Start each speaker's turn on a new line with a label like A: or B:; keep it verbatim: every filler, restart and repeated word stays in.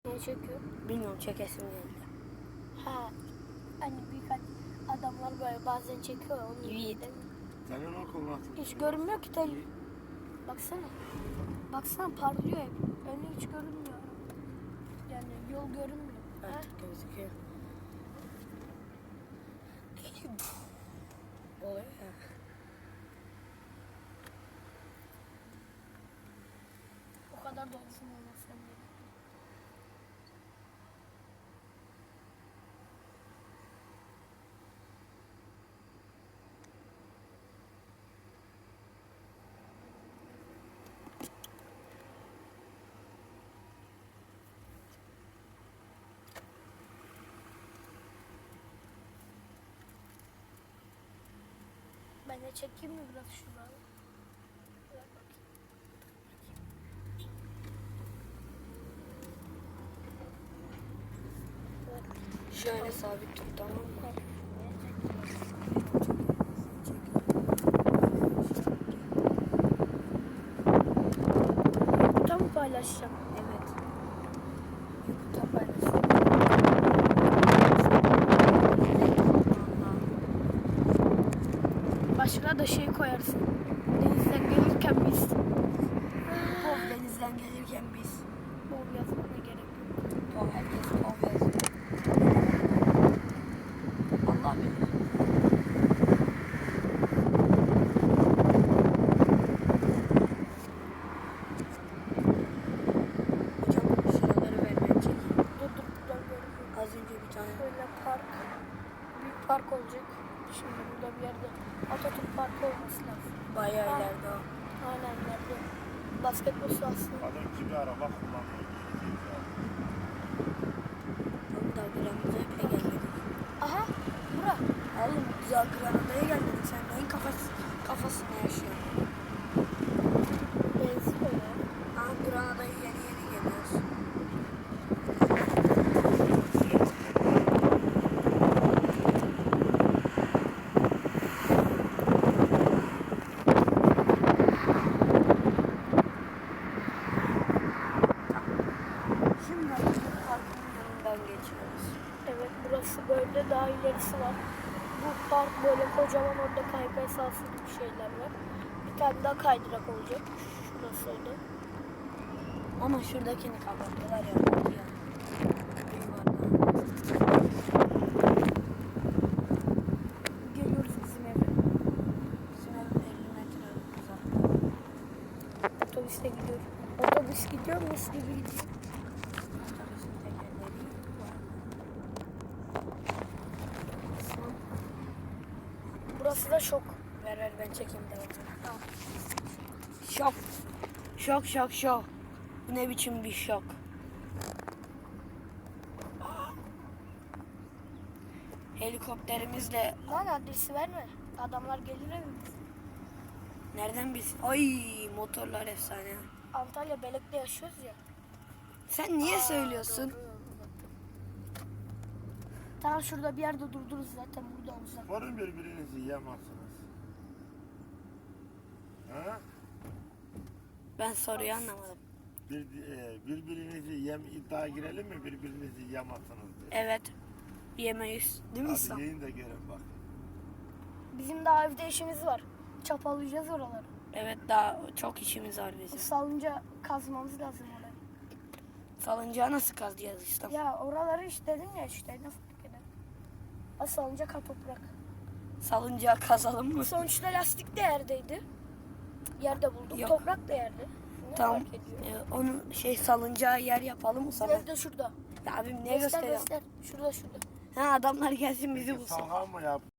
A: Niye çekiyor?
B: Bilmiyorum, çekesim geldi.
A: Ha. Hani birkaç adamlar böyle bazen çekiyor ya, onu
B: Evet.
A: değil mi?
C: Senin okul nasıl?
A: Hiç görünmüyor ki tel. Baksana. Baksana parlıyor hep. Önü hiç görünmüyor. Yani yol görünmüyor.
B: Artık gözüküyor. Oluyor ya.
A: O kadar da olsun olmasın diye. Ben de çekeyim mi biraz şuraları? Ver bakayım.
B: Şöyle sabit tut, tamam mı?
A: Tam paylaşacağım.
B: Evet. YouTube'da paylaşın.
A: Başına da şey koyarsın. Denizden gelirken biz.
B: Pov denizden gelirken biz.
A: Bol yazmana gerek yok.
B: Pov, herkes pov yazıyor. Allah bilir. Hocam şuraları ver, ben çekeyim.
A: Dur dur buradan görünüyor.
B: Az önce bir tane.
A: Böyle park. Büyük park olacak. Şimdi burada bir yerde Atatürk Parkı olması lazım.
B: Bayağı
A: Ha.
B: ileride o.
A: Aynen nerede? Basketbol sahası.
C: Adam gibi araba kullanıyor.
B: Oğlum daha Granada'ya bile gelmedik.
A: Aha bura.
B: Oğlum daha Granada'ya gelmedik. Sen neyin kafası, kafasında yaşıyorsun?
A: Benziyor ya.
B: Aa, Granada'ya yeni yeni geliyoruz. Şimdi Atatürk Parkı'nın yanından geçiyoruz.
A: Evet burası böyle, daha ilerisi var. Bu park böyle kocaman, orada kaykay sahası gibi şeyler var. Bir tane daha kaydırak olacak. Şurasıydı.
B: Ama şuradakini kapattılar ya. ya.
A: Geliyoruz bizim eve.
B: Bizim evin elli metre uzakta.
A: Otobüste gidiyor. Otobüs gidiyor, mis gibi gidiyor.
B: Otobüsün tekerleri var.
A: Burası da şok.
B: Ver ver, ben çekeyim de bakayım.
A: Tamam.
B: Şok. Şok şok şok. Bu ne biçim bir şok. Helikopterimizle
A: Lan adresi verme. Adamlar gelir evimize.
B: nereden biz? Ay, motorlar efsane.
A: Antalya Belek'te yaşıyoruz ya.
B: Sen niye söylüyorsun?
A: Tamam şurada bir yerde durdururuz zaten, burada uzak.
C: Varın birbirinizi yiyemezsiniz. Ha?
B: Ben soruyu anlamadım.
C: Bir, e, birbirinizi yem iddia girelim mi? Birbirinizi yiyemezsiniz diye.
B: Evet. Yemeyiz. Değil mi İslam?
C: Hadi yiyin de görün bak.
A: Bizim daha evde işimiz var. Çapalayacağız oraları.
B: Evet, daha çok işimiz var bizim.
A: Salınca kazmamız lazım orayı.
B: Salıncağı nasıl kazıyacağız İslam?
A: Ya oraları işte dedim ya, işte ne fark eder. Ha, salıncak ha toprak.
B: Salıncağı kazalım mı?
A: Sonuçta lastik de yerdeydi. Yerde bulduk.
B: Yok.
A: Toprak da yerde. Ne
B: Tamam.
A: fark ediyor?
B: Ee, onu şey salıncağı yer yapalım mı sana?
A: Ev de şurada.
B: Ya abim ne
A: Göster
B: gösteriyor?
A: göster. Şurada şurada.
B: Ha, adamlar gelsin bizi bulsun.
C: Salha mı yap?